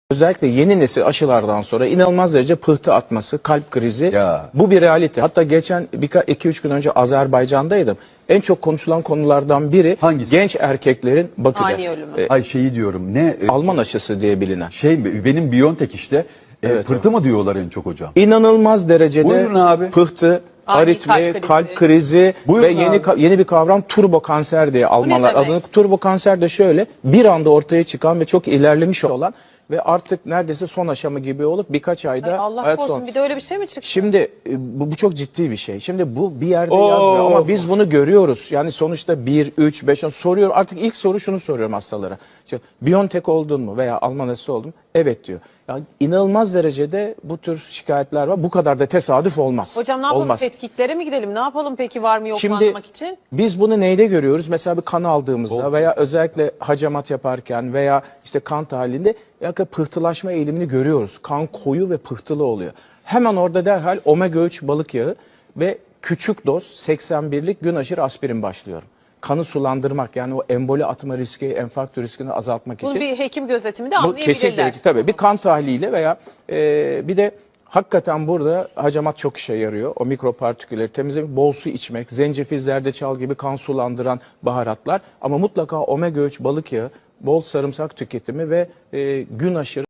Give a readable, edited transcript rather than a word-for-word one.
Özellikle yeni nesil aşılardan sonra inanılmaz derece pıhtı atması, kalp krizi, Ya. bu bir realite. Hatta geçen 2-3 gün önce Azerbaycan'daydım. En çok konuşulan konulardan biri Hangisi? genç erkeklerin Bakü'de Ani ölümü. Ay şeyi diyorum Alman aşısı diye bilinen. benim Biontech işte Evet, pıhtı mı diyorlar en çok hocam? İnanılmaz derecede Buyurun abi. pıhtı, Ani aritmi, kalp kalp krizi Buyurun ve yeni bir kavram turbo kanser diye Almanlar demek? adını. Turbo kanser de şöyle bir anda ortaya çıkan ve çok ilerlemiş olan ve artık neredeyse son aşamı gibi olup birkaç ayda Allah hayat korusun, sonu. bir de öyle bir şey mi çıktı? Şimdi bu çok ciddi bir şey. Şimdi bu bir yerde yazmıyor ama biz bunu görüyoruz. Yani sonuçta 1, 3, 5 soruyor. Artık ilk soru şunu soruyorum hastalara. İşte, Biontech oldun mu veya Alman aşısı oldun mu? Evet diyor. Yani inanılmaz derecede bu tür şikayetler var. Bu kadar da tesadüf olmaz. Hocam ne yapalım, Olmaz. tetkiklere mi gidelim? Ne yapalım peki, var mı yok mu Şimdi anlamak için? biz bunu neyde görüyoruz? Mesela bir kan aldığımızda veya özellikle hacamat yaparken veya işte kan tahlilinde pıhtılaşma eğilimini görüyoruz. Kan koyu ve pıhtılı oluyor. Hemen orada derhal omega 3 balık yağı ve küçük doz 81'lik gün aşırı aspirin başlıyorum. Kanı sulandırmak, yani o emboli atma riski, enfarktü riskini azaltmak Bunu için. bir hekim gözetiminde Bu anlayabilirler. kesinlikle tabii bir kan tahliliyle veya bir de hakikaten burada hacamat çok işe yarıyor. O mikropartikülleri temizlemek, bol su içmek, zencefil, zerdeçal gibi kan sulandıran baharatlar ama mutlaka omega 3 balık yağı, bol sarımsak tüketimi ve gün aşırı